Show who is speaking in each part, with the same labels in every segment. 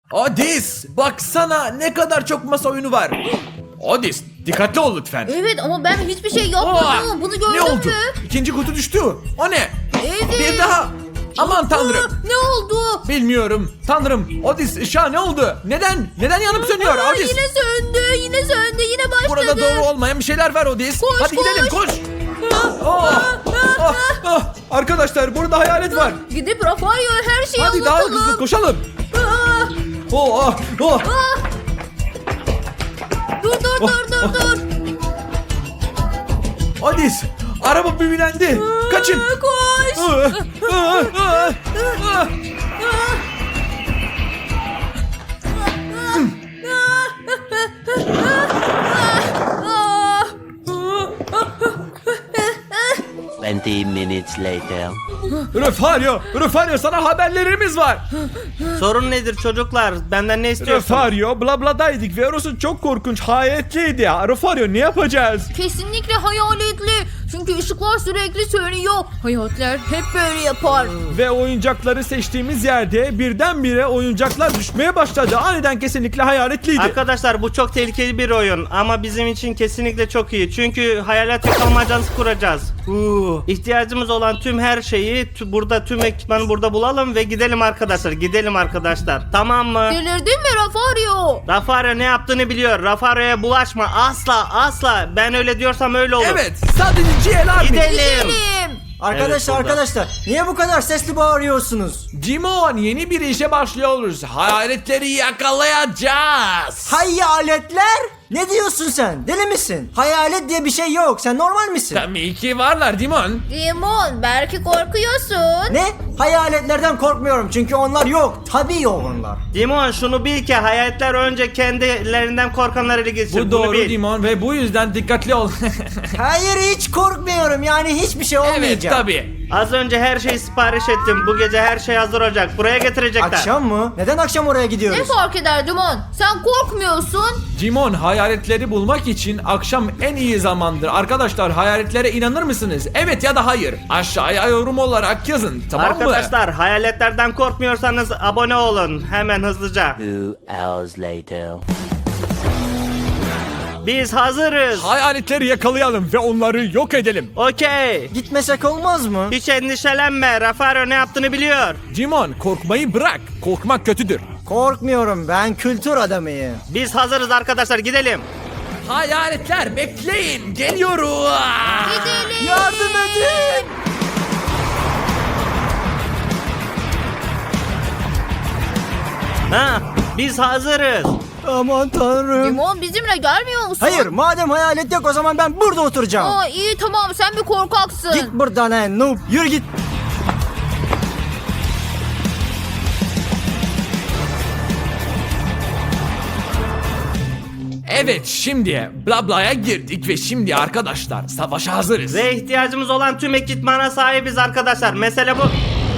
Speaker 1: Odis, baksana ne kadar çok masa oyunu var. Odis, dikkatli ol lütfen.
Speaker 2: Evet ama ben hiçbir şey yapmadım. Bunu gördün
Speaker 1: Ne oldu?
Speaker 2: mü?
Speaker 1: İkinci kutu düştü. O ne?
Speaker 2: Evet.
Speaker 1: Bir daha. Aman tanrım.
Speaker 2: Ne oldu?
Speaker 1: Bilmiyorum. Tanrım. Odis, ışığa ne oldu? Neden yanıp sönüyor Odis?
Speaker 2: Yine söndü. Yine başladı.
Speaker 1: Burada doğru olmayan bir şeyler var Odis.
Speaker 2: Koş,
Speaker 1: Hadi gidelim koş. Arkadaşlar burada hayalet var.
Speaker 2: Gidip Rafael'e her şeyi
Speaker 1: Hadi daha
Speaker 2: anlatalım.
Speaker 1: hızlı koşalım.
Speaker 2: Ah,
Speaker 1: Oh.
Speaker 2: Dur.
Speaker 1: Odis, araba büyülendi. Kaçın.
Speaker 2: Koş. Ah.
Speaker 3: 20 minutes later.
Speaker 1: Refario sana haberlerimiz var.
Speaker 4: Sorun nedir çocuklar? Benden ne istiyorsun?
Speaker 1: Refario blabladaydık ve orası çok korkunç hayaletliydi ya. Refario ne yapacağız?
Speaker 2: Kesinlikle hayaletli. Çünkü ışıklar sürekli sönüyor. Hayaletler hep böyle yapar.
Speaker 1: Ve oyuncakları seçtiğimiz yerde birdenbire oyuncaklar düşmeye başladı. Aniden kesinlikle hayaletliydi.
Speaker 4: Arkadaşlar bu çok tehlikeli bir oyun ama bizim için kesinlikle çok iyi. Çünkü hayalet yakalmacası kuracağız. İhtiyacımız olan tüm her şeyi burada, tüm ekipmanı burada bulalım ve gidelim arkadaşlar. Tamam mı?
Speaker 2: Delirdin mi Rafario?
Speaker 4: Rafario ne yaptığını biliyor. Rafario'ya bulaşma. Asla. Ben öyle diyorsam öyle olur.
Speaker 1: Evet, sadece GLR
Speaker 4: Gidelim.
Speaker 5: Arkadaşlar niye bu kadar sesli bağırıyorsunuz?
Speaker 1: Dimon, yeni bir işe başlıyoruz. Hayaletleri yakalayacağız.
Speaker 5: Hayaletler? Ne diyorsun sen? Deli misin? Hayalet diye bir şey yok. Sen normal misin?
Speaker 1: Tabii ki varlar Dimon.
Speaker 2: Dimon belki korkuyorsun.
Speaker 5: Ne? Hayaletlerden korkmuyorum çünkü onlar yok. Tabii yok onlar.
Speaker 4: Dimon şunu bil ki hayaletler önce kendilerinden korkanları ele geçirir.
Speaker 1: Bu
Speaker 4: Bunu
Speaker 1: doğru
Speaker 4: bil.
Speaker 1: Dimon ve bu yüzden dikkatli ol.
Speaker 5: Hayır hiç korkmuyorum yani hiçbir şey olmayacak.
Speaker 1: Evet tabii.
Speaker 4: Az önce her şeyi sipariş ettim. Bu gece her şey hazır olacak. Buraya getirecekler.
Speaker 5: Akşam mı? Neden akşam oraya
Speaker 2: Ne
Speaker 5: gidiyoruz?
Speaker 2: fark eder Dimon? Sen korkmuyorsun.
Speaker 1: Dimon, hayaletleri bulmak için akşam en iyi zamandır. Arkadaşlar hayaletlere inanır mısınız? Evet ya da hayır. Aşağıya yorum olarak yazın, tamam mı?
Speaker 4: Arkadaşlar hayaletlerden korkmuyorsanız abone olun. Hemen hızlıca.
Speaker 3: 2 hours later.
Speaker 4: Biz hazırız.
Speaker 1: Hayaletleri yakalayalım ve onları yok edelim.
Speaker 4: Okey.
Speaker 5: Gitmesek olmaz mı?
Speaker 4: Hiç endişelenme. Rafario ne yaptığını biliyor.
Speaker 1: Dimon, korkmayı bırak. Korkmak kötüdür.
Speaker 5: Korkmuyorum ben kültür adamıyım.
Speaker 4: Biz hazırız arkadaşlar gidelim.
Speaker 1: Hayaletler bekleyin, geliyoruz.
Speaker 2: Gidelim.
Speaker 5: Yardım edin!
Speaker 4: Biz hazırız.
Speaker 5: Aman tanrım.
Speaker 2: Dimon bizimle gelmiyor musun?
Speaker 5: Hayır madem hayalet yok o zaman ben burada oturacağım.
Speaker 2: Aa, iyi tamam sen bir korkaksın.
Speaker 5: Git buradan noob yürü git.
Speaker 1: Evet, şimdi Blabla'ya girdik ve şimdi arkadaşlar savaşa hazırız.
Speaker 4: Ve ihtiyacımız olan tüm ekipmana sahibiz arkadaşlar. Mesele bu.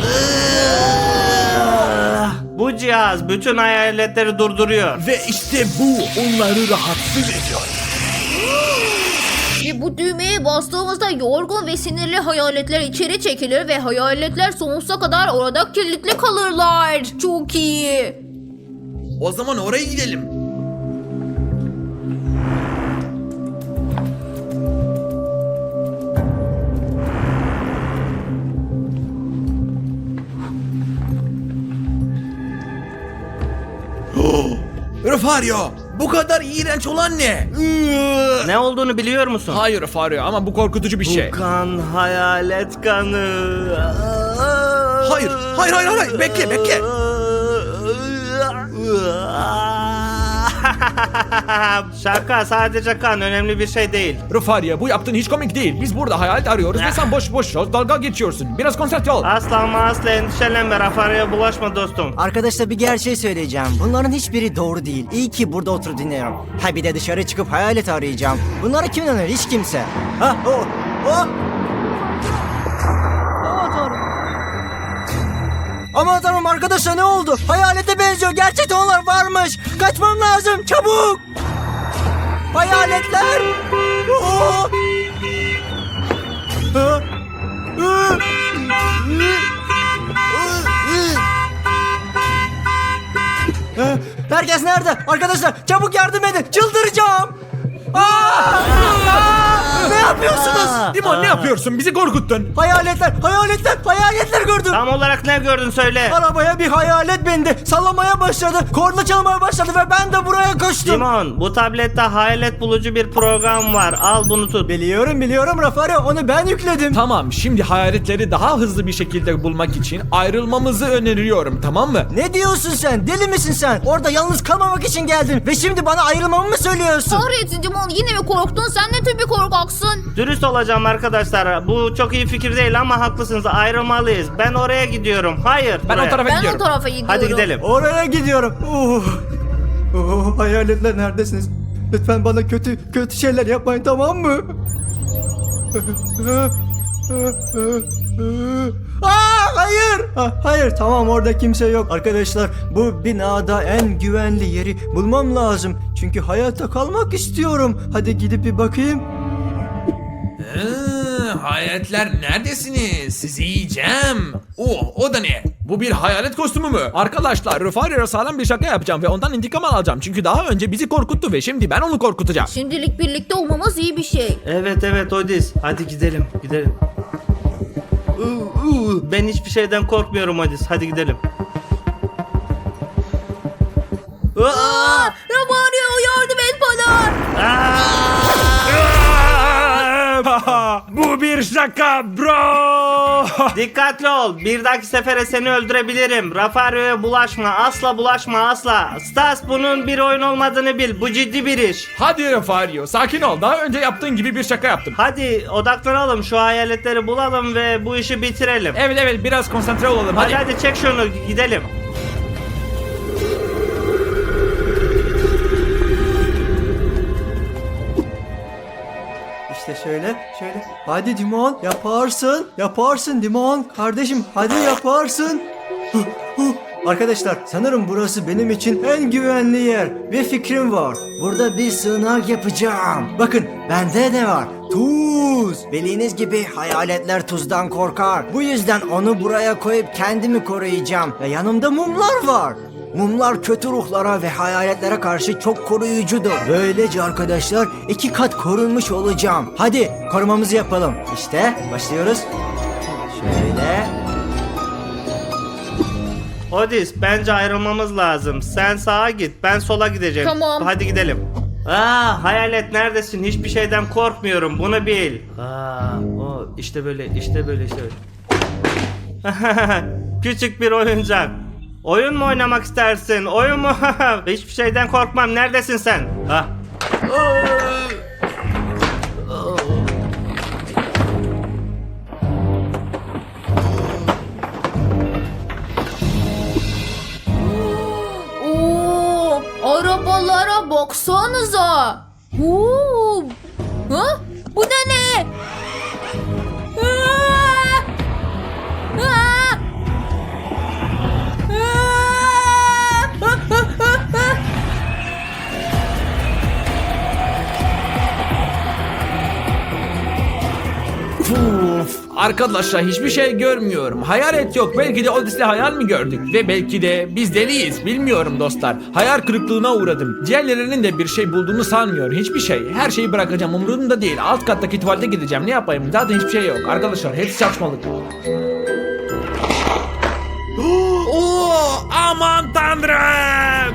Speaker 4: Bu cihaz bütün hayaletleri durduruyor.
Speaker 1: Ve işte bu onları rahatsız ediyor.
Speaker 2: Ve bu düğmeye bastığımızda yorgun ve sinirli hayaletler içeri çekilir ve hayaletler sonsuza kadar orada kilitli kalırlar. Çok iyi.
Speaker 1: O zaman oraya gidelim. Refario, bu kadar iğrenç olan ne?
Speaker 4: Ne olduğunu biliyor musun?
Speaker 1: Hayır Refario ama bu korkutucu bir şey.
Speaker 4: Bu kan hayalet kanı.
Speaker 1: Hayır, bekle.
Speaker 4: Şaka, sadece kan, önemli bir şey değil.
Speaker 1: Refario, bu yaptığın hiç komik değil. Biz burada hayalet arıyoruz ve sen boş dalga geçiyorsun. Biraz konsantre ol.
Speaker 4: Asla endişelenme, Rafario'ya bulaşma dostum.
Speaker 5: Arkadaşlar bir gerçeği söyleyeceğim. Bunların hiçbiri doğru değil. İyi ki burada oturup dinliyorum. Ha bir de dışarı çıkıp hayalet arayacağım. Bunlara kim inanır? Hiç kimse. Ha o. Aman tanrım. Aman tanrım arkadaşlar ne oldu? Hayalete benziyor. Gerçekten onlar varmış. Kaçmam lazım. Çabuk. Hayaletler. Oo. Ha. Herkes nerede? Arkadaşlar çabuk yardım edin. Çıldıracağım. Ne yapıyorsunuz?
Speaker 1: Dimon ne yapıyorsun? Bizi korkuttun.
Speaker 5: Hayaletler gördüm.
Speaker 4: Tam olarak ne gördün söyle.
Speaker 5: Arabaya bir hayalet bindi. Sallamaya başladı. Korna çalmaya başladı ve ben de buraya koştum.
Speaker 4: Simon, bu tablette hayalet bulucu bir program var. Al bunu tut.
Speaker 5: Biliyorum Rafario, onu ben yükledim.
Speaker 1: Tamam, şimdi hayaletleri daha hızlı bir şekilde bulmak için ayrılmamızı öneriyorum, tamam mı?
Speaker 5: Ne diyorsun sen? Deli misin sen? Orada yalnız kalmamak için geldin ve şimdi bana ayrılmamı mı söylüyorsun?
Speaker 2: Kahretsin Dimon, yine mi korktun? Sen ne tür bir korkaksın?
Speaker 4: Dürüst olacağım arkadaşlar. Bu çok iyi fikir değil ama haklısınız. Ayrılmalıyız. Ben oraya gidiyorum. Hayır.
Speaker 1: Ben
Speaker 4: buraya.
Speaker 1: o tarafa
Speaker 2: Ben
Speaker 1: gidiyorum.
Speaker 2: o tarafa gidiyorum.
Speaker 4: Hadi gidelim.
Speaker 5: Oraya gidiyorum. Hayaletler neredesiniz? Lütfen bana kötü şeyler yapmayın, tamam mı? Hayır. Hayır, tamam, orada kimse yok. Arkadaşlar, bu binada en güvenli yeri bulmam lazım. Çünkü hayatta kalmak istiyorum. Hadi gidip bir bakayım.
Speaker 1: Hayaletler neredesiniz? Sizi yiyeceğim. O da ne? Bu bir hayalet kostümü mü? Arkadaşlar, Rufario'ya sağlam bir şaka yapacağım ve ondan intikam alacağım. Çünkü daha önce bizi korkuttu ve şimdi ben onu korkutacağım.
Speaker 2: Şimdilik birlikte olmamız iyi bir şey.
Speaker 4: Evet Odis. Hadi gidelim. Ben hiçbir şeyden korkmuyorum Odis. Hadi gidelim.
Speaker 2: Rafario, yardım et bana.
Speaker 1: Bu bir şaka bro.
Speaker 4: Dikkatli ol. Bir dahaki sefere seni öldürebilirim. Rafario'ya bulaşma. Asla bulaşma, asla. Stas, bunun bir oyun olmadığını bil. Bu ciddi bir iş.
Speaker 1: Hadi Rufario, sakin ol. Daha önce yaptığın gibi bir şaka yaptım.
Speaker 4: Hadi odaklanalım. Şu hayaletleri bulalım ve bu işi bitirelim.
Speaker 1: Evet biraz konsantre olalım.
Speaker 4: Hadi çek şunu, gidelim.
Speaker 5: İşte şöyle. Hadi Dimon, yaparsın Dimon. Kardeşim, hadi yaparsın. Arkadaşlar, sanırım burası benim için en güvenli yer. Bir fikrim var. Burada bir sığınak yapacağım. Bakın, bende ne var? Tuz. Bildiğiniz gibi hayaletler tuzdan korkar. Bu yüzden onu buraya koyup kendimi koruyacağım. Ve yanımda mumlar var. Mumlar kötü ruhlara ve hayaletlere karşı çok koruyucudur. Böylece arkadaşlar 2 kat korunmuş olacağım. Hadi korumamızı yapalım. İşte başlıyoruz. Şöyle.
Speaker 4: Odis, bence ayrılmamız lazım. Sen sağa git, ben sola gideceğim.
Speaker 2: Tamam.
Speaker 4: Hadi gidelim. Hayalet neredesin? Hiçbir şeyden korkmuyorum. Bunu bil. İşte böyle. Küçük bir oyuncak. Oyun mu oynamak istersin? Oyun mu? Hiçbir şeyden korkmam. Neredesin sen?
Speaker 2: Arabalara baksanıza. Bu da ne?
Speaker 1: Arkadaşlar, hiçbir şey görmüyorum. Hayalet yok. Belki de Odis'le hayal mi gördük? Ve belki de biz deliyiz. Bilmiyorum dostlar. Hayal kırıklığına uğradım. Diğerlerinin de bir şey bulduğunu sanmıyorum. Hiçbir şey. Her şeyi bırakacağım. Umurumda değil. Alt kattaki tuvalete gideceğim. Ne yapayım? Zaten hiçbir şey yok. Arkadaşlar, hepsi saçmalık. Aman tanrım!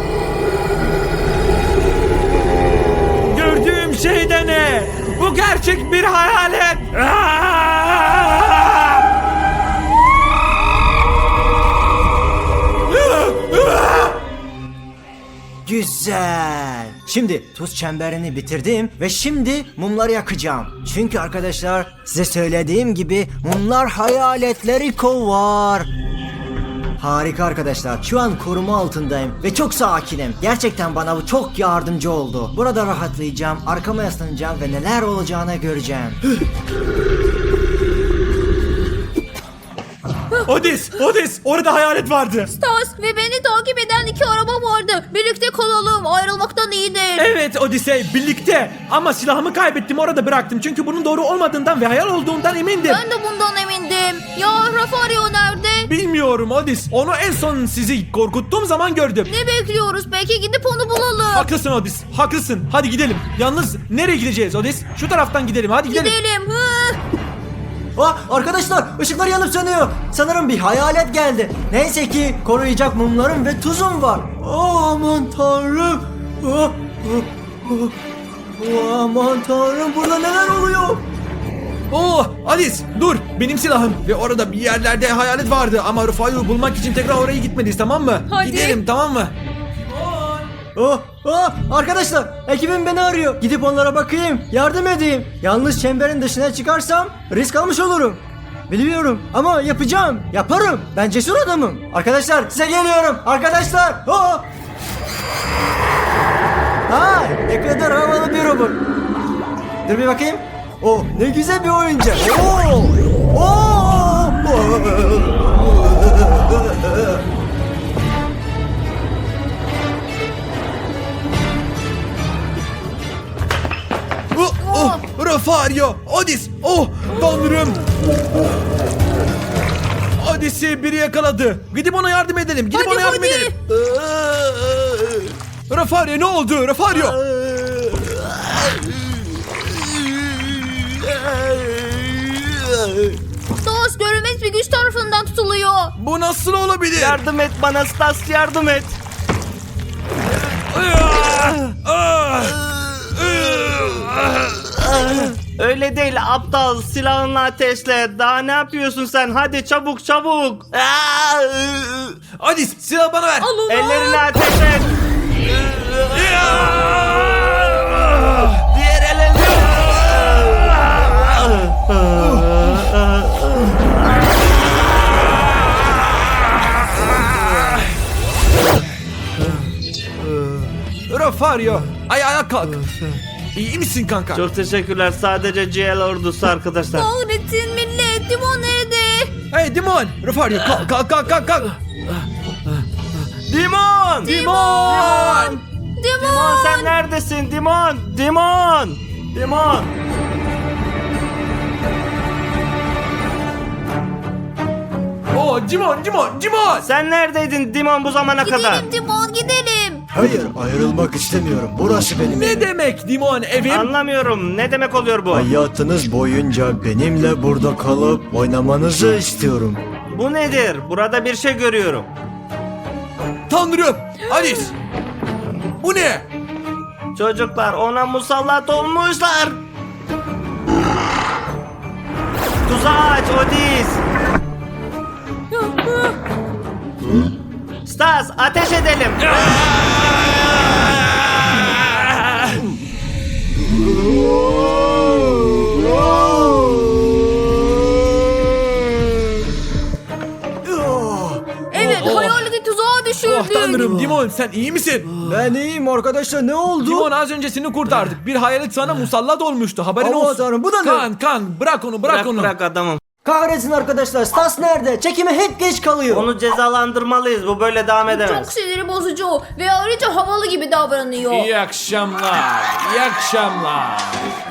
Speaker 1: Gördüğüm şey de ne? Bu gerçek bir hayalet.
Speaker 5: Güzel. Şimdi tuz çemberini bitirdim ve şimdi mumları yakacağım. Çünkü arkadaşlar, size söylediğim gibi mumlar hayaletleri kovar. Harika arkadaşlar. Şu an koruma altındayım ve çok sakinim. Gerçekten bana bu çok yardımcı oldu. Burada rahatlayacağım, arkama yaslanacağım ve neler olacağını göreceğim.
Speaker 1: Odis, orada hayalet vardı.
Speaker 2: Stas ve beni takip eden 2 araba vardı. Birlikte kalalım. Ayrılmaktan iyidir.
Speaker 1: Evet Odisey, birlikte. Ama silahımı kaybettim, orada bıraktım. Çünkü bunun doğru olmadığından ve hayal olduğundan emindim.
Speaker 2: Ben de bundan emindim. gidelim. Ya Rafario nerede?
Speaker 1: Bilmiyorum Odis. Onu en son sizi korkuttuğum zaman gördüm.
Speaker 2: Ne bekliyoruz peki, gidip onu bulalım.
Speaker 1: Haklısın Odis. Haklısın. Hadi gidelim. Yalnız nereye gideceğiz Odis? Şu taraftan gidelim. Hadi gidelim.
Speaker 2: Gidelim. Hı.
Speaker 5: Arkadaşlar ışıklar yanıp sönüyor. Sanırım bir hayalet geldi. Neyse ki koruyacak mumlarım ve tuzum var. Aman tanrım. Aman tanrım, burada neler oluyor?
Speaker 1: Oh Odis dur. Benim silahım. Ve orada bir yerlerde hayalet vardı. Ama Rufa'yı bulmak için tekrar oraya gitmeliyiz, tamam mı?
Speaker 2: Hadi.
Speaker 1: Gidelim, tamam mı?
Speaker 5: Arkadaşlar, ekibim beni arıyor. Gidip onlara bakayım, yardım edeyim. Yalnız çemberin dışına çıkarsam risk almış olurum. Biliyorum ama yapacağım. Yaparım. Ben cesur adamım. Arkadaşlar, size geliyorum. Arkadaşlar. Ne kadar havalı bir robot. Dur bir bakayım. Ne güzel bir oyuncak.
Speaker 1: Rafario, Odis, tanrım. Odis'i biri yakaladı. Gidip ona yardım edelim. Gidip
Speaker 2: Hadi,
Speaker 1: ona yardım
Speaker 2: hadi.
Speaker 1: edelim. Rafario, ne oldu? Rafario.
Speaker 2: Stas görünmez bir güç tarafından tutuluyor.
Speaker 1: Bu nasıl olabilir?
Speaker 4: Yardım et bana Stas, yardım et. Öyle değil aptal, silahınla ateşle. Daha ne yapıyorsun sen? Hadi çabuk çabuk.
Speaker 1: Odis, silah bana ver.
Speaker 2: Al onu.
Speaker 4: Ellerini ateş et. Diğer elini.
Speaker 1: Rafario, ayağa kalk. İyi misin kanka?
Speaker 4: Çok teşekkürler. Sadece GL ordusu arkadaşlar.
Speaker 2: Kahretsin millet. Dimon nerede?
Speaker 1: Hey Dimon, Rafario kalk.
Speaker 4: Dimon!
Speaker 1: Dimon!
Speaker 4: Dimon sen neredesin? Dimon!
Speaker 1: Dimon!
Speaker 4: Sen neredeydin Dimon bu zamana kadar?
Speaker 2: Gidelim Dimon, gidelim.
Speaker 5: Hayır, ayrılmak istemiyorum. Burası benim
Speaker 1: Ne
Speaker 5: evim.
Speaker 1: demek Dimon evim?
Speaker 4: Anlamıyorum. Ne demek oluyor bu?
Speaker 5: Hayatınız boyunca benimle burada kalıp oynamanızı istiyorum.
Speaker 4: Bu nedir? Burada bir şey görüyorum.
Speaker 1: Tanrım! Alice! Bu ne?
Speaker 4: Çocuklar ona musallat olmuşlar. Tuzağı aç Odis. Stas ateş edelim.
Speaker 2: Evet, hayaleti tuzağa düşürdük.
Speaker 1: Oh tanrım Dimon sen iyi misin?
Speaker 5: Ben iyiyim arkadaşlar, ne oldu?
Speaker 1: Dimon az önce seni kurtardık. Bir hayalet sana musallat olmuştu. Haberin
Speaker 5: Aman
Speaker 1: olsun.
Speaker 5: tanrım, bu da ne?
Speaker 1: Kan bırak onu bırak onu.
Speaker 4: Bırak adamım.
Speaker 5: Kahretsin arkadaşlar, Stas nerede? Çekime hep geç kalıyor.
Speaker 4: Onu cezalandırmalıyız. Bu böyle devam
Speaker 2: Çok
Speaker 4: edemez.
Speaker 2: siniri bozucu ve ayrıca havalı gibi davranıyor.
Speaker 1: İyi akşamlar. İyi akşamlar.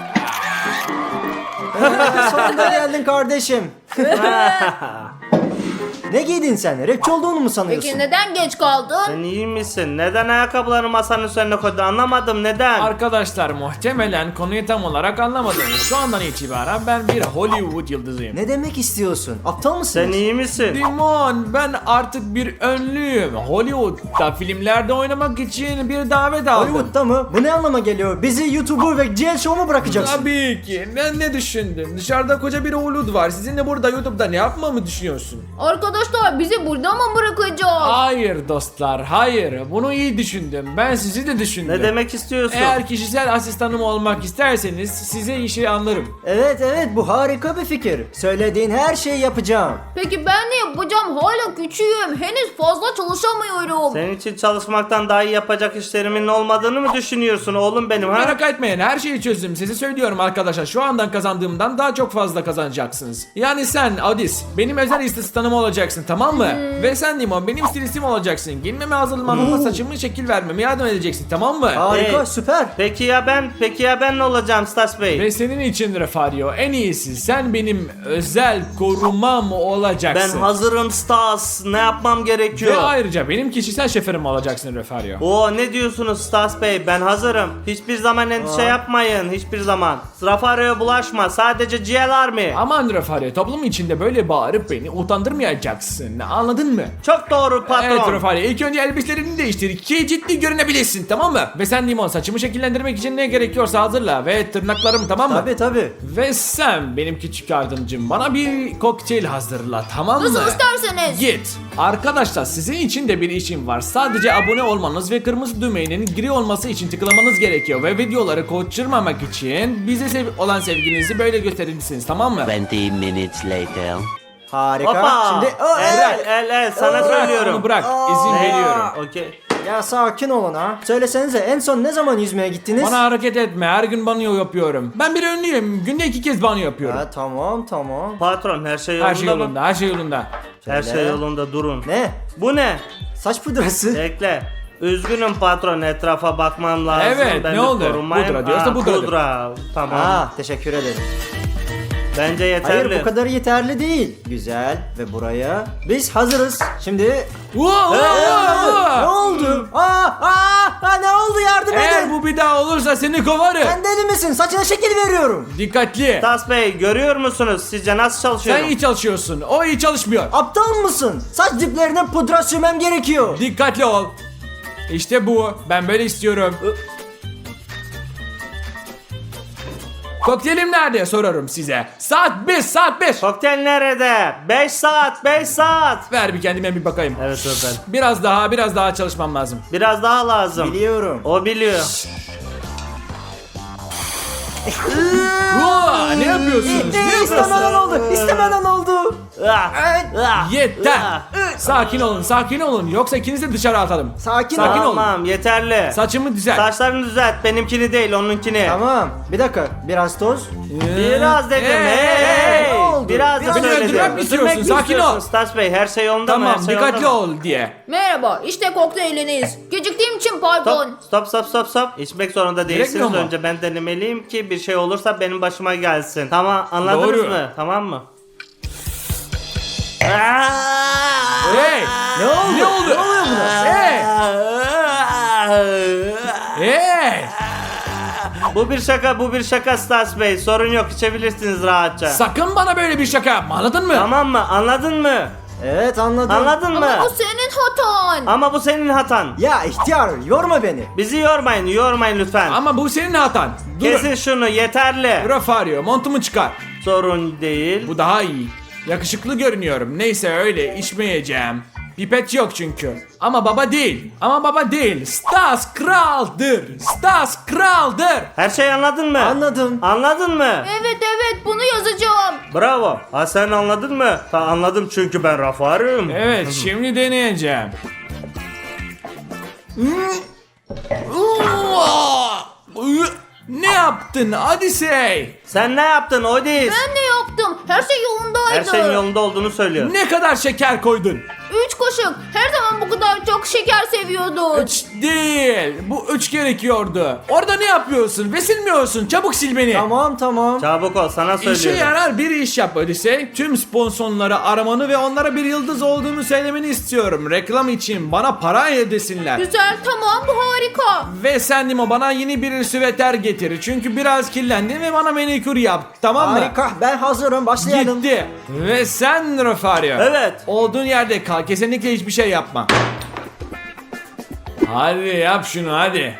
Speaker 5: Sonunda geldin kardeşim. Ne giydin sen? Rapçi olduğunu mu sanıyorsun?
Speaker 2: Peki neden geç kaldın?
Speaker 4: Sen iyi misin? Neden ayakkabılarını masanın üzerine koydu? Anlamadım neden?
Speaker 1: Arkadaşlar muhtemelen konuyu tam olarak anlamadınız. Şu andan itibaren ben bir Hollywood yıldızıyım.
Speaker 5: Ne demek istiyorsun? Aptal mısın?
Speaker 4: Sen iyi misin?
Speaker 1: Dimon ben artık bir ünlüyüm. Hollywood'da filmlerde oynamak için bir davet aldım.
Speaker 5: Hollywood'da mı? Bu ne anlama geliyor? Bizi YouTuber ve GL Show mu bırakacaksın?
Speaker 1: Tabii ki. Ben ne düşündüm? Dışarıda koca bir Hollywood var. Sizinle burada YouTube'da ne yapmamı düşünüyorsun?
Speaker 2: Arkadaşlar bizi burada mı bırakacak?
Speaker 1: Hayır dostlar, hayır. Bunu iyi düşündüm. Ben sizi de düşündüm.
Speaker 4: Ne demek istiyorsun?
Speaker 1: Eğer kişisel asistanım olmak isterseniz size işi anlarım.
Speaker 5: Evet, bu harika bir fikir. Söylediğin her şeyi yapacağım.
Speaker 2: Peki ben ne yapacağım? Hala küçüğüm. Henüz fazla çalışamıyorum.
Speaker 4: Senin için çalışmaktan daha iyi yapacak işlerimin olmadığını mı düşünüyorsun oğlum benim ha?
Speaker 1: Merak etmeyin, her şeyi çözdüm. Size söylüyorum arkadaşlar. Şu andan kazandığımdan daha çok fazla kazanacaksınız. Yani sen Adis benim özel asistanım olacaksın. olacaksın, tamam mı? Ve sen Limon benim stilistim olacaksın. Giyinmeme hazırlanmama, saçımı şekil vermeme yardım edeceksin, tamam mı?
Speaker 5: Harika,
Speaker 4: Hey.
Speaker 5: süper.
Speaker 4: Peki ya ben ne olacağım Stas Bey?
Speaker 1: Ve senin için Refario en iyisi sen benim özel korumam
Speaker 4: Ben
Speaker 1: olacaksın.
Speaker 4: hazırım Stas. Ne yapmam gerekiyor?
Speaker 1: Ve ayrıca benim kişisel şoförüm olacaksın Refario.
Speaker 4: Oo, ne diyorsunuz Stas Bey? Ben hazırım. Hiçbir zaman endişe yapmayın. Hiçbir zaman. Rafario'ya bulaşma. Sadece GL Army.
Speaker 1: Aman Refario, toplum içinde böyle bağırıp beni utandırmayacaksın, anladın mı?
Speaker 4: Çok doğru patron.
Speaker 1: Evet Refario, ilk önce elbiselerini değiştir ki ciddi görünebilirsin, tamam mı? Ve sen Limon saçımı şekillendirmek için ne gerekiyorsa hazırla ve tırnaklarımı, tamam mı?
Speaker 5: Tabii.
Speaker 1: Ve sen benim küçük yardımcım bana bir kokteyl hazırla, tamam mı?
Speaker 2: Nasıl isterseniz.
Speaker 1: Git. Arkadaşlar sizin için de bir işim var. Sadece abone olmanız ve kırmızı düğmenin gri olması için tıklamanız gerekiyor. Ve videoları kaçırmamak için bize olan sevginizi böyle gösterirsiniz, tamam mı?
Speaker 3: 20 minutes later.
Speaker 5: Harika.
Speaker 4: Hoppa.
Speaker 5: Şimdi
Speaker 4: El sana
Speaker 1: Bırak
Speaker 4: söylüyorum.
Speaker 1: onu, bırak. İzin veriyorum.
Speaker 4: Okey.
Speaker 5: Ya sakin olun ha. Söylesenize en son ne zaman yüzmeye gittiniz?
Speaker 1: Bana hareket etme. Her gün banyo yapıyorum. Ben bir ünlüyüm. Günde 2 kez banyo yapıyorum.
Speaker 5: Ha, tamam.
Speaker 4: Patron her şey yolunda
Speaker 1: Her şey
Speaker 4: mı?
Speaker 1: yolunda. Her şey yolunda.
Speaker 4: Her
Speaker 5: Şöyle.
Speaker 4: şey yolunda, durun.
Speaker 5: Ne?
Speaker 4: Bu ne?
Speaker 5: Saç pudrası.
Speaker 4: Bekle. Üzgünüm patron, etrafa bakmam lazım.
Speaker 1: Evet,
Speaker 4: Ben
Speaker 1: ne
Speaker 4: bir
Speaker 1: oldu?
Speaker 4: korunmayım.
Speaker 1: Pudra diyorsa
Speaker 4: Ha,
Speaker 1: pudradır.
Speaker 4: Pudra. Tamam.
Speaker 5: Teşekkür ederim.
Speaker 4: Bence yeterli.
Speaker 5: Hayır bu kadar yeterli değil. Güzel ve buraya biz hazırız. Şimdi
Speaker 1: Wow,
Speaker 5: ne oldu? Ne oldu, yardım
Speaker 1: Eğer
Speaker 5: edin.
Speaker 1: bu bir daha olursa seni kovarım.
Speaker 5: Sen deli misin? Saçına şekil veriyorum.
Speaker 1: Dikkatli.
Speaker 4: Tas Bey, görüyor musunuz? Sizce nasıl
Speaker 1: Sen
Speaker 4: çalışıyorum?
Speaker 1: iyi çalışıyorsun. O iyi çalışmıyor.
Speaker 5: Aptal mısın? Saç diplerine pudra sürmem gerekiyor.
Speaker 1: Dikkatli ol. İşte bu. Ben böyle istiyorum. Kokteylim nerede sorarım size. Saat 5, saat 5.
Speaker 4: Kokteyl nerede? 5 saat, 5 saat.
Speaker 1: Ver bir kendime bir bakayım.
Speaker 4: Evet efendim.
Speaker 1: Biraz daha çalışmam lazım.
Speaker 4: Biraz daha lazım.
Speaker 5: Biliyorum.
Speaker 4: O biliyor.
Speaker 1: Ne yapıyorsunuz? Ne
Speaker 5: İstemeden
Speaker 1: yapıyorsunuz?
Speaker 5: oldu. İstemeden oldu.
Speaker 1: Yeter. Sakin olun. Yoksa ikinizi de dışarı atalım.
Speaker 5: Sakin
Speaker 1: Sakin
Speaker 5: ol.
Speaker 1: ol.
Speaker 4: Tamam, yeterli.
Speaker 1: Saçımı düzelt.
Speaker 4: Saçlarını düzelt. Benimkini değil, onunkini.
Speaker 5: Tamam. Bir dakika. Biraz toz.
Speaker 4: Biraz dedim.
Speaker 1: Hey,
Speaker 5: ne oldu?
Speaker 4: Biraz da
Speaker 5: Beni
Speaker 4: söyledim.
Speaker 1: öldürmek mi istiyorsun?
Speaker 4: Öldürmek mi
Speaker 1: Sakin ol.
Speaker 4: istiyorsun Stas Bey? Her şey yolunda mı?
Speaker 1: Tamam,
Speaker 4: Her şey
Speaker 1: dikkatli
Speaker 4: yolunda mı?
Speaker 1: ol diye.
Speaker 2: Merhaba, işte kokteyliniz. Geciktiğim için pardon.
Speaker 4: Stop. İçmek zorunda değilsiniz.
Speaker 1: Gerekmiyor mu?
Speaker 4: Önce ben denemeliyim ki bir şey olursa benim başıma gelsin. Tamam, anladınız
Speaker 1: Doğru.
Speaker 4: mı? Tamam mı?
Speaker 1: Hey!
Speaker 5: Ne oldu?
Speaker 1: Ne oldu?
Speaker 5: Ne oluyor buna?
Speaker 1: Hey! Hey!
Speaker 4: Bu bir şaka Stas Bey. Sorun yok, içebilirsiniz rahatça.
Speaker 1: Sakın bana böyle bir şaka yapma, anladın mı?
Speaker 4: Tamam mı? Anladın mı?
Speaker 5: Evet, anladım.
Speaker 4: Anladın mı?
Speaker 2: Ama bu senin hatan.
Speaker 4: Ama bu senin hatan.
Speaker 5: Ya ihtiyar, yorma beni.
Speaker 4: Bizi yormayın lütfen.
Speaker 1: Ama bu senin hatan.
Speaker 4: Kesin şunu, yeterli.
Speaker 1: Rafario, montumu çıkar.
Speaker 4: Sorun değil.
Speaker 1: Bu daha iyi. Yakışıklı görünüyorum. Neyse öyle, içmeyeceğim. Pipet yok çünkü. Ama baba değil. Stas kraldır.
Speaker 4: Her şeyi anladın mı?
Speaker 5: Anladım.
Speaker 4: Anladın mı?
Speaker 2: Evet, bunu yazacağım.
Speaker 4: Bravo. Ha, sen anladın mı? Anladım çünkü ben Rafar'ım.
Speaker 1: Evet, şimdi deneyeceğim. Ne yaptın Odyssey?
Speaker 4: Sen ne yaptın Odis?
Speaker 2: Ben ne yaptım? Her şey yolundaydı.
Speaker 4: Her şeyin yolunda olduğunu söylüyor.
Speaker 1: Ne kadar şeker koydun?
Speaker 2: 3 kaşık. Her zaman bu kadar çok şeker seviyordun.
Speaker 1: 3 değil. Bu 3 gerekiyordu. Orada ne yapıyorsun? Ve silmiyorsun. Çabuk sil beni.
Speaker 5: Tamam.
Speaker 4: Çabuk ol, sana
Speaker 1: İşe
Speaker 4: söylüyorum.
Speaker 1: yarar bir iş yap Odyssey. Tüm sponsorları aramanı ve onlara bir yıldız olduğunu söylemeni istiyorum. Reklam için bana para ödesinler.
Speaker 2: Güzel, tamam, bu harika.
Speaker 1: Ve sen Nimo bana yeni bir süveter getir. Çünkü biraz kirlendim ve bana manikür yap. Tamam mı?
Speaker 5: Harika, ben hazırım, başlayalım.
Speaker 1: Gitti. Ve sen Rafario.
Speaker 4: Evet.
Speaker 1: Olduğun yerde kal. Kesinlikle hiçbir şey yapma. Hadi yap şunu hadi.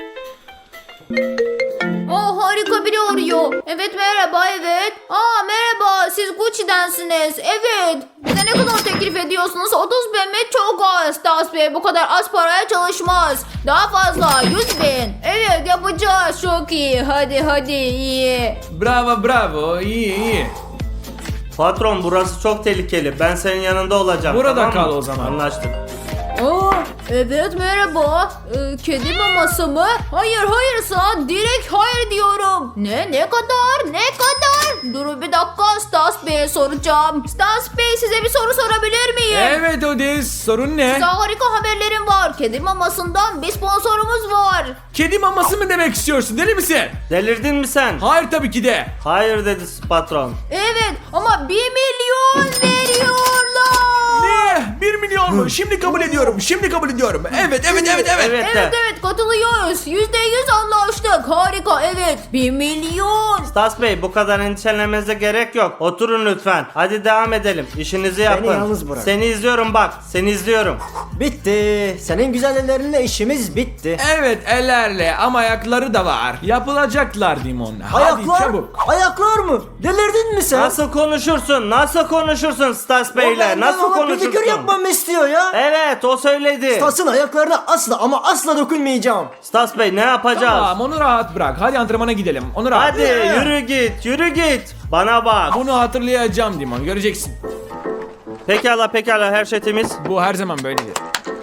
Speaker 2: Harika biri arıyor. Evet, merhaba, evet. Merhaba, siz Gucci'densiniz. Evet. Bize ne kadar teklif ediyorsunuz? 30 bin mi? Çok az. Stas Bey bu kadar az paraya çalışmaz. Daha fazla, 100 bin. Evet, yapacağız. Çok iyi. Hadi, iyi.
Speaker 1: Bravo. İyi.
Speaker 4: Patron, burası çok tehlikeli. Ben senin yanında olacağım.
Speaker 1: Burada
Speaker 4: tamam mı?
Speaker 1: kal o zaman.
Speaker 4: Anlaştık.
Speaker 2: Aa, evet merhaba. Kedi maması mı? Hayır sana direkt hayır diyorum. Ne kadar? Durun bir dakika, Stas Bey'e soracağım. Stas Bey, size bir soru sorabilir miyim?
Speaker 1: Evet Odis, sorun ne?
Speaker 2: Size harika haberlerim var. Kedi mamasından bir sponsorumuz var.
Speaker 1: Kedi maması mı demek istiyorsun, deli misin?
Speaker 4: Delirdin mi sen?
Speaker 1: Hayır tabii ki de.
Speaker 4: Hayır dedi patron.
Speaker 2: Evet ama 1 milyon veriyorlar.
Speaker 1: Ne? 1 milyon mu? Şimdi kabul ediyorum. Evet.
Speaker 4: Evet de.
Speaker 2: Evet katılıyoruz. %100 anlaştık. Harika, evet. 1 milyon.
Speaker 4: Stas Bey, bu kadar endişelenmenize gerek yok. Oturun lütfen. Hadi devam edelim. İşinizi yapın.
Speaker 5: yalnız bırak.
Speaker 4: Seni izliyorum bak. Seni izliyorum.
Speaker 5: Bitti. Senin güzel ellerinle işimiz bitti.
Speaker 1: Evet, ellerle ama ayakları da var. Yapılacaklar Dimon. Hadi
Speaker 5: Ayaklar?
Speaker 1: çabuk.
Speaker 5: Ayaklar mı? Delirdin mi sen?
Speaker 4: Nasıl konuşursun Stas Bey'le?
Speaker 5: benden
Speaker 4: Nasıl
Speaker 5: ona pedikür
Speaker 4: konuşursun?
Speaker 5: yapmamı istiyor ya.
Speaker 4: Evet, o söyledi.
Speaker 5: Stas'ın ayaklarına asla dokunmayacağım.
Speaker 4: Stas Bey, ne yapacağız?
Speaker 1: Tamam, onu rahat bırak. Hadi antrenmana gidelim. Onu rahat.
Speaker 4: Hadi yürü git. Bana bak.
Speaker 1: Bunu hatırlayacağım Dimon. Göreceksin.
Speaker 4: Pekala, her şey temiz.
Speaker 1: Bu her zaman böyledir.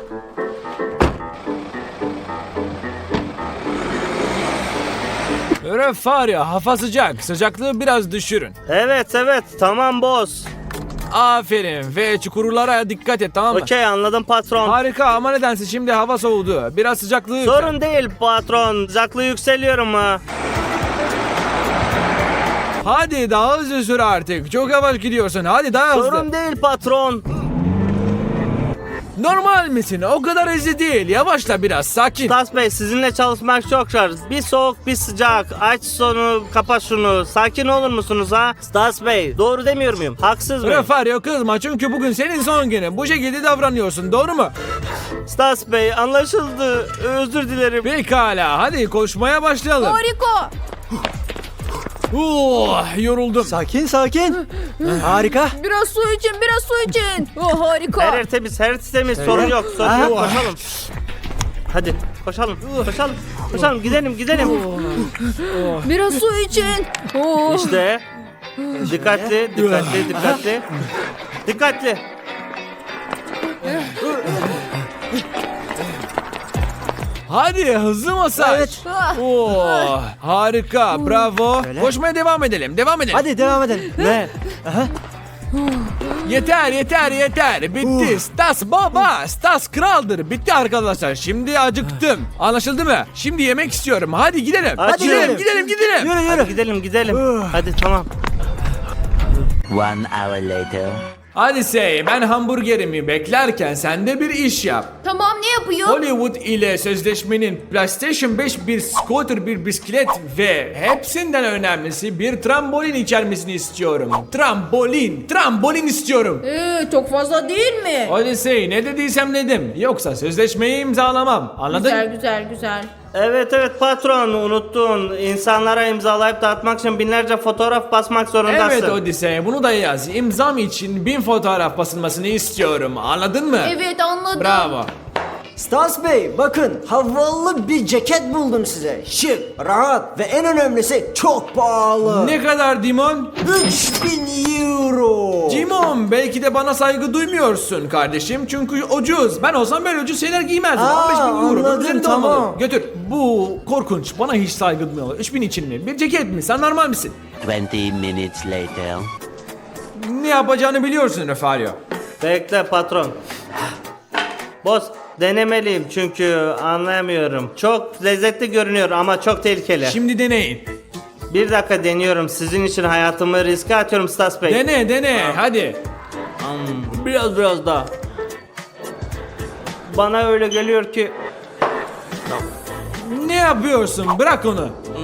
Speaker 1: Refaria, hava sıcak. Sıcaklığı biraz düşürün.
Speaker 4: Evet, tamam boss.
Speaker 1: Aferin ve çukurlara dikkat et, tamam mı?
Speaker 4: Okey, anladım patron.
Speaker 1: Harika ama nedense şimdi hava soğudu. Biraz sıcaklığı yükselt.
Speaker 4: Sorun değil patron. Sıcaklığı yükseliyorum ha.
Speaker 1: Hadi daha hızlı sür artık. Çok yavaş gidiyorsun. Hadi daha hızlı.
Speaker 4: Sorun değil patron.
Speaker 1: Normal misin? O kadar hızlı değil. Yavaşla biraz. Sakin.
Speaker 4: Stas Bey, sizinle çalışmak çok zor. Bir soğuk bir sıcak. Aç sonu, kapa şunu. Sakin olur musunuz ha? Stas Bey, doğru demiyor muyum? Haksız mıyım?
Speaker 1: Refario kızma çünkü bugün senin son günün. Bu şekilde davranıyorsun. Doğru mu?
Speaker 4: Stas Bey, anlaşıldı. Özür dilerim.
Speaker 1: Pekala. Hadi koşmaya başlayalım.
Speaker 2: Harika.
Speaker 1: Yoruldum.
Speaker 5: Sakin. Harika.
Speaker 2: Biraz su için. Oh, harika.
Speaker 4: Her yer temiz. Sorun yok. Koşalım. Hadi, koşalım. Gidelim.
Speaker 2: Biraz su için. Oh.
Speaker 4: İşte. Dikkatli.
Speaker 1: Hadi hızlı masaj.
Speaker 5: Evet.
Speaker 1: Harika. Bravo.
Speaker 5: Öyle.
Speaker 1: Koşmaya devam edelim.
Speaker 5: Hadi devam edelim.
Speaker 4: Ne?
Speaker 1: Yeter. Bitti. Stas baba. Stas kraldır. Bitti arkadaşlar. Şimdi acıktım. Anlaşıldı mı? Şimdi yemek istiyorum. Hadi gidelim.
Speaker 4: Hadi
Speaker 1: gidelim.
Speaker 5: Yürü.
Speaker 4: Hadi gidelim. Hadi tamam.
Speaker 3: 1 hour later.
Speaker 1: Hadi Say, ben hamburgerimi beklerken sen de bir iş yap.
Speaker 2: Tamam, ne yapıyor?
Speaker 1: Hollywood ile sözleşmenin PlayStation 5 bir scooter, bir bisiklet ve hepsinden önemlisi bir trambolin içermesini istiyorum. Trambolin istiyorum.
Speaker 2: Çok fazla değil mi?
Speaker 1: Hadi Say, ne dediysem dedim. Yoksa sözleşmeyi imzalamam. Anladın?
Speaker 2: Güzel.
Speaker 4: Evet patron, unuttun. İnsanlara imzalayıp dağıtmak için binlerce fotoğraf basmak zorundasın.
Speaker 1: Evet Odyssey, bunu da yaz. İmzam için 1000 fotoğraf basılmasını istiyorum. Anladın mı?
Speaker 2: Evet, anladım.
Speaker 1: Bravo.
Speaker 5: Stas Bey, bakın havalı bir ceket buldum size. Şık, rahat ve en önemlisi çok pahalı.
Speaker 1: Ne kadar Dimon?
Speaker 5: 3000 euro.
Speaker 1: Dimon, belki de bana saygı duymuyorsun kardeşim. Çünkü ucuz. Ben olsam böyle ucuz şeyler giymezdim.
Speaker 5: Aa,
Speaker 1: 15.000 euro.
Speaker 5: anladım,
Speaker 1: Üzerinde
Speaker 5: tamam.
Speaker 1: olmalı. Götür. Bu korkunç. Bana hiç saygı duymuyorlar. 3000 için mi? Bir ceket mi? Sen normal misin?
Speaker 3: 20 minutes later.
Speaker 1: Ne yapacağını biliyorsun Refario.
Speaker 4: Bekle patron. Boss, denemeliyim çünkü anlayamıyorum. Çok lezzetli görünüyor ama çok tehlikeli.
Speaker 1: Şimdi deneyin.
Speaker 4: Bir dakika deniyorum. Sizin için hayatımı riske atıyorum Stas Bey.
Speaker 1: Dene. Hadi.
Speaker 4: Biraz daha. Bana öyle geliyor ki
Speaker 1: Ne yapıyorsun? Bırak onu.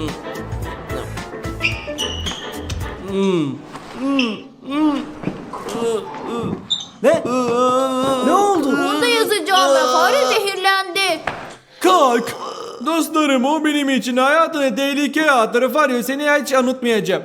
Speaker 5: Ne? Ne oldu?
Speaker 2: Bunu da yazacağım. Fare zehirlendi.
Speaker 1: Kalk. Dostlarım, o benim için hayatını tehlikeye attı. Refario, seni hiç unutmayacağım.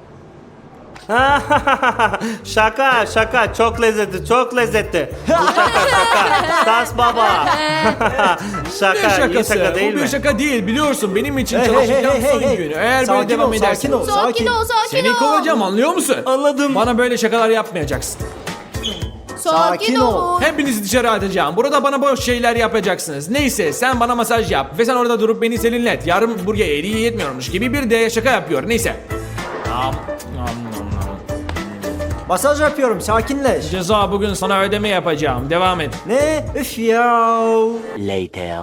Speaker 4: şaka çok lezzetli. Bu şaka. Stas baba.
Speaker 1: Ne
Speaker 4: iyi
Speaker 1: şakası?
Speaker 4: şaka değil
Speaker 1: Bu bir
Speaker 4: mi?
Speaker 1: şaka değil, biliyorsun. Benim için
Speaker 5: Hey,
Speaker 1: çalışacağım
Speaker 5: hey,
Speaker 1: son
Speaker 5: hey.
Speaker 1: gün. Eğer
Speaker 5: Sakin
Speaker 1: böyle devam
Speaker 5: ol,
Speaker 1: edersen.
Speaker 2: Sakin ol.
Speaker 1: Seni kovacağım, anlıyor musun?
Speaker 4: Anladım.
Speaker 1: Bana böyle şakalar yapmayacaksın.
Speaker 2: Sakin olun.
Speaker 1: Hepinizi dışarı atacağım. Burada bana boş şeyler yapacaksınız. Neyse sen bana masaj yap ve sen orada durup beni serinlet. Yarın buraya eriği yetmiyormuş gibi bir de şaka yapıyor. Neyse.
Speaker 5: Masaj yapıyorum, sakinleş.
Speaker 1: Ceza bugün sana ödeme yapacağım. Devam et.
Speaker 5: Ne? Üf ya.
Speaker 3: Later.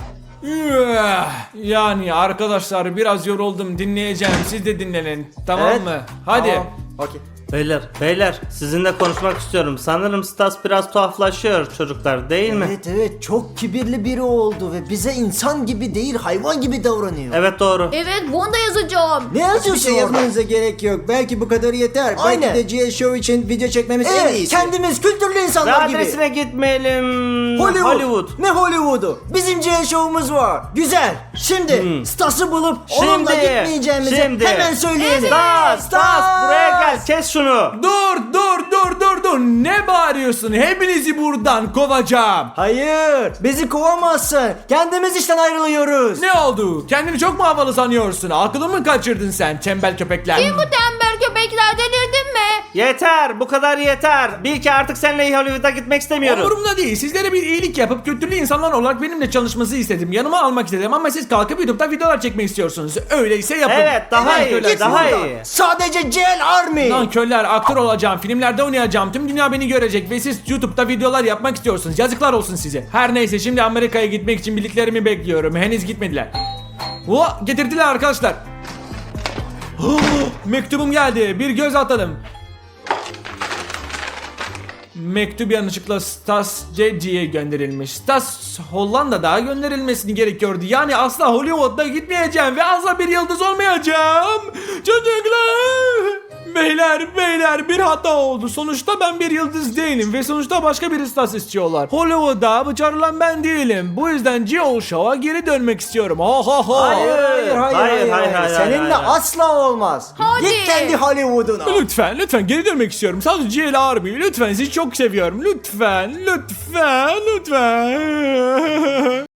Speaker 1: Yani arkadaşlar biraz yoruldum, dinleyeceğim. Siz de dinlenin. Tamam
Speaker 5: Evet.
Speaker 1: mı? Hadi.
Speaker 5: Tamam. Okey.
Speaker 4: Beyler sizinle konuşmak istiyorum. Sanırım Stas biraz tuhaflaşıyor çocuklar değil mi?
Speaker 5: Evet çok kibirli biri oldu ve bize insan gibi değil hayvan gibi davranıyor.
Speaker 4: Evet doğru.
Speaker 2: Evet bunu da yazacağım.
Speaker 5: Ne yazıyorsun
Speaker 6: Bir şey yazmanıza gerek yok. Belki bu kadar yeter.
Speaker 5: Aynen.
Speaker 6: Belki de GL Show için video çekmemiz en
Speaker 5: Evet,
Speaker 6: iyisi.
Speaker 5: kendimiz kültürlü
Speaker 4: Ve
Speaker 5: insanlar gibi.
Speaker 4: adresine gitmeyelim.
Speaker 5: Hollywood. Ne Hollywood'u? Bizim GL Show'umuz var. Güzel. Şimdi Stas'ı bulup onunla gitmeyeceğimizi hemen söyleyelim.
Speaker 4: Stas buraya gel kes şunu.
Speaker 1: Dur. Ne bağırıyorsun? Hepinizi buradan kovacağım.
Speaker 5: Hayır, bizi kovamazsın. Kendimiz işten ayrılıyoruz.
Speaker 1: Ne oldu? Kendini çok mu havalı sanıyorsun? Aklını mı kaçırdın sen tembel köpekler?
Speaker 2: Kim bu tembel köpekler, delirdin mi?
Speaker 4: Yeter bu kadar yeter. Bil ki artık seninle Hollywood'a gitmek istemiyorum.
Speaker 1: Umurumda değil. Sizlere bir iyilik yapıp kültürlü insanlar olarak benimle çalışması istedim. Yanıma almak istedim ama siz kalkıp YouTube'da videolar çekmek istiyorsunuz. Öyleyse yapın.
Speaker 4: Evet daha
Speaker 1: Evet,
Speaker 4: iyi daha iyi.
Speaker 5: Sadece GL Army.
Speaker 1: Nankörler, aktör olacağım, filmlerde oynayacağım, tüm dünya beni görecek ve siz YouTube'da videolar yapmak istiyorsunuz. Yazıklar olsun size. Her neyse şimdi Amerika'ya gitmek için bildiklerimi bekliyorum. Henüz gitmediler. Getirdiler arkadaşlar. Mektubum geldi. Bir göz atalım. Mektup yanlışlıkla Stas Ceci'ye gönderilmiş. Stas Hollanda'da gönderilmesini gerekiyordu. Yani asla Hollywood'da gitmeyeceğim ve asla bir yıldız olmayacağım. Çocuklar! Beyler bir hata oldu. Sonuçta ben bir yıldız değilim ve sonuçta başka bir Stas istiyorlar. Hollywood'da bıçarılan ben değilim. Bu yüzden GL Show'a geri dönmek istiyorum.
Speaker 5: Hayır. Seninle
Speaker 4: hayır.
Speaker 5: asla olmaz.
Speaker 2: Hadi.
Speaker 5: Git kendi Hollywood'una.
Speaker 1: Lütfen geri dönmek istiyorum. Sadece GL Army. Lütfen sizi çok seviyorum. Lütfen.